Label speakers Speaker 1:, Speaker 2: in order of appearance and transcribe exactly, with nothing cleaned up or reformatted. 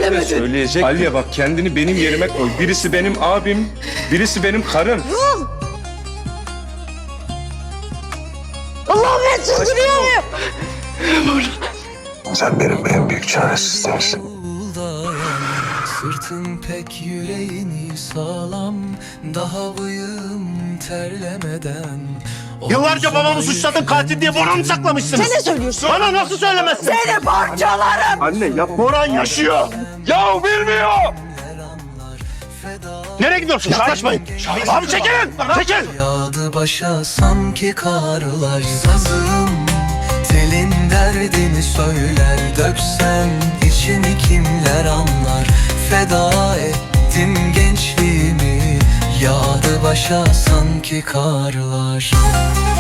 Speaker 1: söylemedin?
Speaker 2: Söyleyecek. Aliye bak, kendini benim yerime koy. Birisi benim abim, birisi benim karım.
Speaker 1: Allah'ım ben çıldırıyor muyum?
Speaker 3: Sen benim en büyük çaresizlerimsin.
Speaker 4: Sırtın pek yüreğini sağlam, daha bıyığım terlemeden.
Speaker 5: Yıllarca babamı suçladın, katil diye Boran'ı saklamışsınız.
Speaker 1: Sen ne söylüyorsun?
Speaker 5: Bana nasıl söylemezsin?
Speaker 1: Seni parçalarım.
Speaker 2: Anne yapma.
Speaker 5: Boran yaşıyor.
Speaker 2: Ya bilmiyor.
Speaker 5: Nereye gidiyorsun? Yaklaşmayın. Abi çekilin. Çekil.
Speaker 4: Yağdı başa sanki karlar, sazım telin derdini söyler, döksen içini kimler anlar. Feda ettim gençliğimi, yağdı başa sanki karlar.